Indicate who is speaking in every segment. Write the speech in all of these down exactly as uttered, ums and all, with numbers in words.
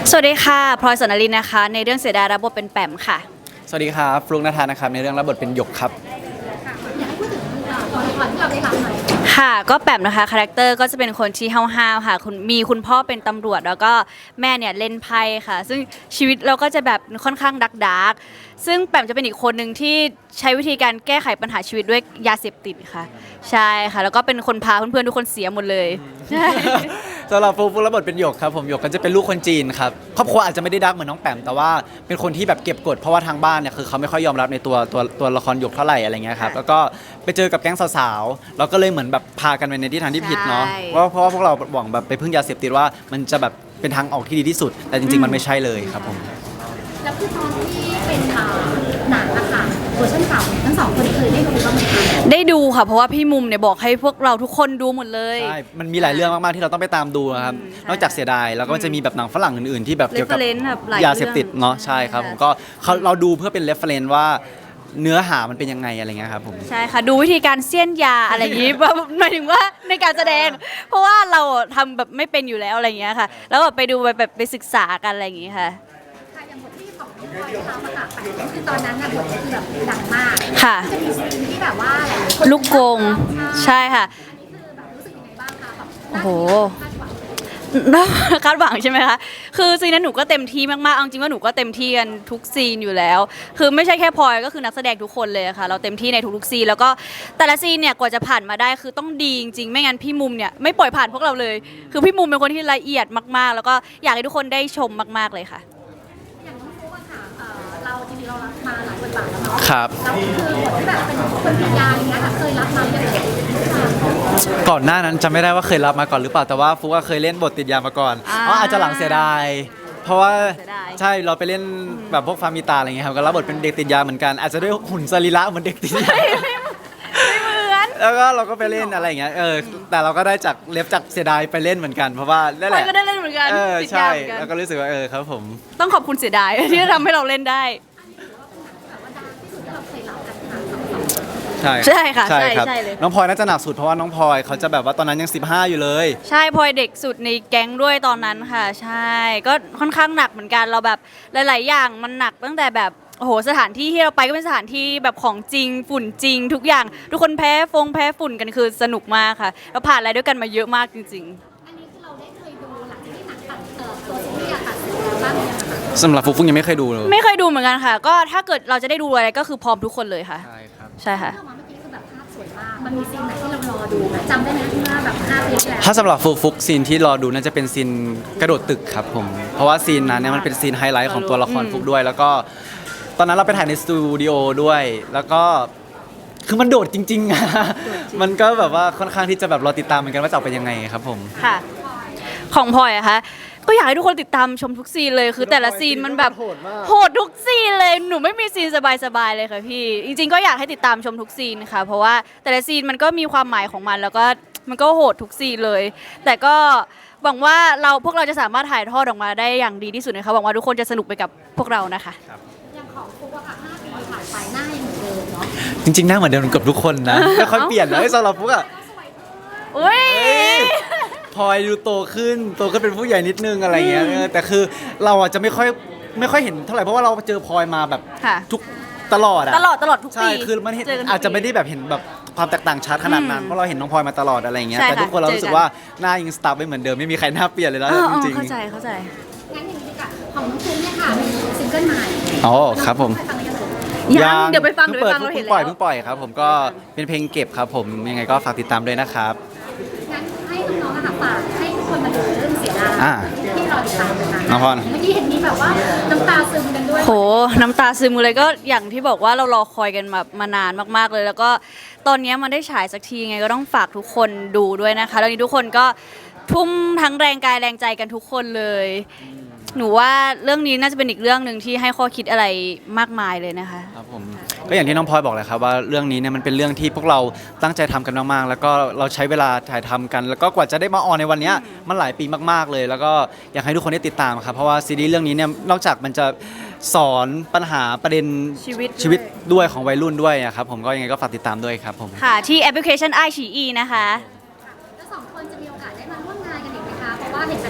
Speaker 1: สวัสดีค่ะพลอยสนลินนะคะในเรื่องเสียดายรับบทเป็นแปมค่ะ
Speaker 2: สวัสดีครับฟลุ๊กนภานะครับในเรื่องรับบทเป็นหยกครับ
Speaker 3: อยากให้พูดถึงตัวละครที่เราได้รับหน่อย
Speaker 1: ค่ะก็แปมนะคะคาแรคเตอร์ก็จะเป็นคนที่ห้าวๆค่ะคุณมีคุณพ่อเป็นตำรวจแล้วก็แม่เนี่ยเล่นไพ่ค่ะซึ่งชีวิตเราก็จะแบบค่อนข้างดักดักซึ่งแปมจะเป็นอีกคนหนึ่งที่ใช้วิธีการแก้ไขปัญหาชีวิตด้วยยาเสพติดค่ะใช่ค่ะแล้วก็เป็นคนพาเพื่อนๆทุกคนเสียหมดเลยใช่
Speaker 2: สำหรับฟลุ๊กฟลุ๊กรับบทเป็นหยกครับผมหยกก็จะเป็นลูกคนจีนครับครอบครัวอาจจะไม่ได้ดักเหมือนน้องแปมแต่ว่าเป็นคนที่แบบเก็บกดเพราะว่าทางบ้านเนี่ยคือเขาไม่ค่อยยอมรับในตัวตัวตัวละครหยกเท่าไหร่อะไรเงี้ยครับแล้วก็ไปเจอกับแก๊งสาวๆเราก็เลยเหมือนแบบพากันไปในทิศทางที่ผิดเนาะเพราะเพราะว่าพวกเราหวังแบบไปพึ่งยาเสพติดว่ามันจะแบบเป็นทางออกที่ดีที่สุดแต่จริงๆมันไม่ใช่เลยครับผม
Speaker 3: แล้วคือตอนที่เป็นหนังอะค่ะเวอร์ชันเก่าทั้งสองคนเคยได้ดูบ้างไหมคะ
Speaker 1: ได้ดูค่ะเพราะว่าพี่มุมเนี่ยบอกให้พวกเราทุกคนดูหมดเลย
Speaker 2: ใช่มันมีหลายเรื่องมากๆที่เราต้องไปตามดูครับนอกจากเสียดายแล้วก็จะมีแบบหนังฝรั่งอื่นๆที่แบบเกี่ยวกับยาเสพติดเนาะใช่ครับผมก็เขาเราดูเพื่อเป็นเรฟเฟรนซ์ว่าเนื้อหามันเป็นยังไงอะไรเงี้ยครับผม
Speaker 1: ใช่ค่ะดูวิธีการเสี้ยนยาอะไรอย่างนี้หมายถึงว่าในการแสดงเพราะว่าเราทำแบบไม่เป็นอยู่แล้วอะไรอย่างเงี้ยค่ะแล้วแบบไปดูแบบไปศึกษากันอะไรอย่างงี้ค่ะ
Speaker 3: ค่ะอย่างบทที่ของพลอยทำอะค่ะคือตอนนั้นน่ะบทคือแบบดังมาก
Speaker 1: ค่ะ
Speaker 3: จะมีซีนที่แบบว่าหลายๆคน
Speaker 1: ลูกกงใช่ค่ะ
Speaker 3: อันนี้คือแบบรู้สึกยังไงบ้างคะแบบ
Speaker 1: โอ้โหคาดหวังใช่ไหมคะคือซีนนั้นหนูก็เต็มที่มากๆเอาจริงว่าหนูก็เต็มที่กันทุกซีนอยู่แล้วคือไม่ใช่แค่พลอยก็คือนักแสดงทุกคนเลยค่ะเราเต็มที่ในทุกๆซีนแล้วก็แต่ละซีนเนี่ยกว่าจะผ่านมาได้คือต้องดีจริงๆไม่งั้นพี่มุมเนี่ยไม่ปล่อยผ่านพวกเราเลยคือพี่มุมเป็นคนที่ละเอียดมากๆแล้วก็อยากให้ทุกคนได้ชมมากๆเลยค่ะ
Speaker 3: อย่างน้องฟุ๊กอะค่ะเอ่อเราจริงๆเรารับมาหลายบทบาทแล้วเนาะ
Speaker 2: ครับ
Speaker 3: แล้วคือบทที่แบบเป็นคนติดยาอย่างเงี้ยค่ะเคยรับมาอย่างเงี้ย
Speaker 2: ก่อนหน้านั้นจำไม่ได้ว่าเคยรับมาก่อนหรือเปล่าแต่ว่าฟุกก็เคยเล่นบทติดยามาก่อนอ๋ออาจจะหลังเสียดายเพราะว่าใช่เราไปเล่นแบบพวกฟาร์มิตาอะไรเงี้ยครับก็รับบทเป็นเด็กติดยาเหมือนกันอาจจะด้วยหุ่นสรีระเหมือนเด็กติดยาแล้วก็เราก็ไปเล่นอะไรอย่างเงี้ยเออแต่เราก็ได้จากเล็บจากเสียดายไปเล่นเหมือนกันเพราะว่านั่นแหละ
Speaker 1: ก็ได้เล่นเหมือนกัน
Speaker 2: เออใช่แล้วก็รู้สึกว่าเออครับผม
Speaker 1: ต้องขอบคุณเสียดายที่ทำให้เราเล่นได้
Speaker 2: ใช่
Speaker 1: ใช่ค่ะใช่
Speaker 2: ครับ
Speaker 1: ใช่เลย
Speaker 2: น้องพลอยน่าจะหนักสุดเพราะว่าน้องพลอยเขาจะแบบว่าตอนนั้นยังสิบห้าอยู่เลย
Speaker 1: ใช่พลอยเด็กสุดในแก๊งด้วยตอนนั้นค่ะใช่ก็ค่อนข้างหนักเหมือนกันเราแบบหลายๆอย่างมันหนักตั้งแต่แบบโอ้โหสถานที่ที่เราไปก็เป็นสถานที่แบบของจริงฝุ่นจริงทุกอย่างทุกคนแพ้ฟงแพ้ฝุ่นกันคือสนุกมากค่ะเราผ่านอะไรด้วยกันมาเยอะมากจริง
Speaker 3: ๆอันนี้คือเราได้เคยดูหลังจากที่หนังตัดเอ่อตัวซีรีส์อะตัดเสร็จแล้วบ้างไหมคะ
Speaker 2: สำหรับฟุกฟุกยังไม่เคยดูเลย
Speaker 1: ไม่เคยดูเหมือนกันค่ะก็ถ้าเกิดเราจะได้ดูอะไรก็คือพร้อมทุกคนเลยค่ะ
Speaker 2: ใช่ครับ
Speaker 1: ใช่ค่ะ
Speaker 3: มันมีซีนไหนที่เรารอดูไหมจำได้ไหมที่ว่าแบบห้าปีแล้ว
Speaker 2: ถ้าสำหรับฟุกฟุกซีนที่รอดูน่าจะเป็นซีนกระโดดตึกครับผมเพราะว่าซีนนั้นเนี่ยมันเป็นซีนไฮไลท์ของตัวละครฟุกด้วยแล้วก็ตอนนั้นเราไปถ่ายในสตูดิโอด้วยแล้วก็คือมันโดดจริงๆอะมันก็แบบว่าค่อนข้างที่จะแบบรอติดตามเหมือนกันว่าจะออกเป็นยังไงครับผม
Speaker 1: ค่ะของพลอยอะคะก็อยากให้ทุกคนติดตามชมทุกซีนเลยคือแต่ละซีนมันแบบโหดทุกซีนเลยหนูไม่มีซีนสบายๆเลยค่ะพี่จริงๆก็อยากให้ติดตามชมทุกซีนค่ะเพราะว่าแต่ละซีนมันก็มีความหมายของมันแล้วก็มันก็โหดทุกซีนเลยแต่ก็หวังว่าเราพวกเราจะสามารถถ่ายทอดออกมาได้อย่างดีที่สุดนะคะหวังว่าทุกคนจะสนุกไปกับพวกเรานะคะ
Speaker 3: อย่างของฟุกอะค่ะห้าปีผ่านไปหน้ายังเหมือนเดิมเนาะ
Speaker 2: จริงๆหน้าเหมือนเดิมกับทุกคนนะไม่ค่อยเปลี่ยนเลยสำหรับฟุกอะ
Speaker 1: อุ้ย
Speaker 2: พลอยดูโตขึ้นโตขึ้นเป็นผู้ใหญ่นิดนึงอะไรเงี้ยแต่คือเราอ่ะจะไม่ค่อยไม่ค่อยเห็นเท่าไหร่เพราะว่าเราเจอพลอยมาแบบทุกตลอดอะ
Speaker 1: ตลอดตลอดทุกปี
Speaker 2: ใช่คือมันอาจจะไม่ได้แบบเห็นแบบความแตกต่างชัดขนาดนั้นเพราะเราเห็นน้องพลอยมาตลอดอะไรเงี้ยแต่ทุกคนเรารู้สึกว่าหน้ายังสตาร์ฟไว้เหมือนเดิมไม่มีใครหน้าเปลี่ยนเลยแล้วจริงๆ
Speaker 1: เข้าใจเข้าใจ
Speaker 3: งั้นอย่างนี้ดีกว่าของน้องฟุ๊กเนี่ยค่ะมีซิงเกิลใหม่
Speaker 2: อ๋อครับผม
Speaker 1: ยังเดี๋ยวไปฟังเดี๋ยวไปฟังเราเห็นแล้ว
Speaker 2: เพิ่งปล่อยเพิ่งปล่อยครับผมก็เป็นเพลงเก็บครับผมยังไงก็ฝากติดตามด้วยนะครับ
Speaker 3: งั้นให้น้องๆนะคะฝากให้ทุกคนมาดูเรื่องเสียดายที่รอติดตามนะคะ
Speaker 2: น้องพร
Speaker 3: เมื่อกี้เห็นมีแบบว่าน้ำตาซึมกันด้วย
Speaker 1: โหน้ำตาซึมเลยก็อย่างที่บอกว่าเรารอคอยกันมามานานมากๆเลยแล้วก็ตอนนี้มันได้ฉายสักทีไงก็ต้องฝากทุกคนดูด้วยนะคะแล้วนี้ทุกคนก็ทุ่มทั้งแรงกายแรงใจกันทุกคนเลยหนูว่าเรื่องนี้น่าจะเป็นอีกเรื่องหนึ่งที่ให้ข้อคิดอะไรมากมายเลยนะคะ
Speaker 2: ครับผมก็อย่างที่น้องพลอยบอกเลยครับว่าเรื่องนี้เนี่ยมันเป็นเรื่องที่พวกเราตั้งใจทำกันมากๆแล้วก็เราใช้เวลาถ่ายทำกันแล้วก็กว่าจะได้มาออนในวันนี้มันหลายปีมากๆเลยแล้วก็อยากให้ทุกคนได้ติดตามครับเพราะว่าซีรีส์เรื่องนี้เนี่ยนอกจากมันจะสอนปัญหาประเด็น
Speaker 1: ชีวิต
Speaker 2: ชีวิตด้วยของวัยรุ่นด้วยครับผมก็ยังไงก็ฝากติดตามด้วยครับผม
Speaker 1: ค่ะที่แอปพลิเคชัน ไอ ซี อี นะคะ
Speaker 3: แล้วสองคนจะมีโอกาสได้มาร่วมงานกันอีกไหมคะเพราะว่าเห็นแบบ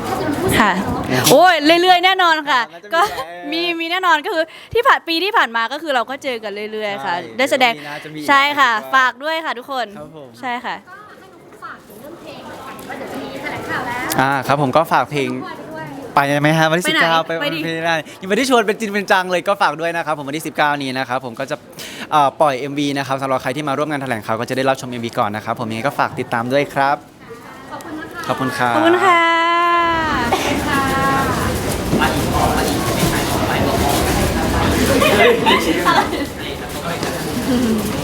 Speaker 3: ถ้าจะพูด
Speaker 1: ค่ะ
Speaker 3: เนาะ
Speaker 1: โอ้ยเรื่อยๆแน่นอนค่ะ
Speaker 2: น่าจะมี
Speaker 1: ก็
Speaker 2: แหละ
Speaker 1: มีมีแน่นอนก็คือที่ผ่านปีที่ผ่านมาก็คือเราก็เจอกันเรื่อยๆค่ะ
Speaker 2: ใช่
Speaker 1: ได้แสดง
Speaker 2: เดี๋ยวมีน่าจะมี
Speaker 1: ใช่ค่ะ
Speaker 2: อีก
Speaker 1: ฝากด้วยค่ะทุกคน
Speaker 2: ครับผม
Speaker 1: ใช่ค่ะ
Speaker 3: ก็ให้น้องฝากถึงเรื่องเพลงหน่อยค่ะว่าเดี๋ยวจะมีแถลงข่าวแล้ว
Speaker 2: อ่าครับผมก็ฝากเพลง
Speaker 3: ปล่อยไปด้วย
Speaker 2: ไปไหมฮะวันที่
Speaker 1: ไป
Speaker 2: สิบ
Speaker 1: ไหน
Speaker 2: เก้าไป
Speaker 1: ไปดิ
Speaker 2: ไปได้ยังไม่ได้ชวนเป็นจริงเป็นจังเลยก็ฝากด้วยนะครับผมวันที่สิบเก้านี้นะครับผมก็จะเอ่อปล่อย เอ็ม วี นะครับสำหรับใครที่มาร่วมงานแถลงข่าวก็จะได้รับชม เอ็ม วี ก่อนนะครับผมยังไงก็ฝากติดตามด้วยครับ
Speaker 3: ขอบคุณนะคะ
Speaker 2: ขอบคุณครับ
Speaker 1: ขอบคุณค่ะ
Speaker 3: ค่ะ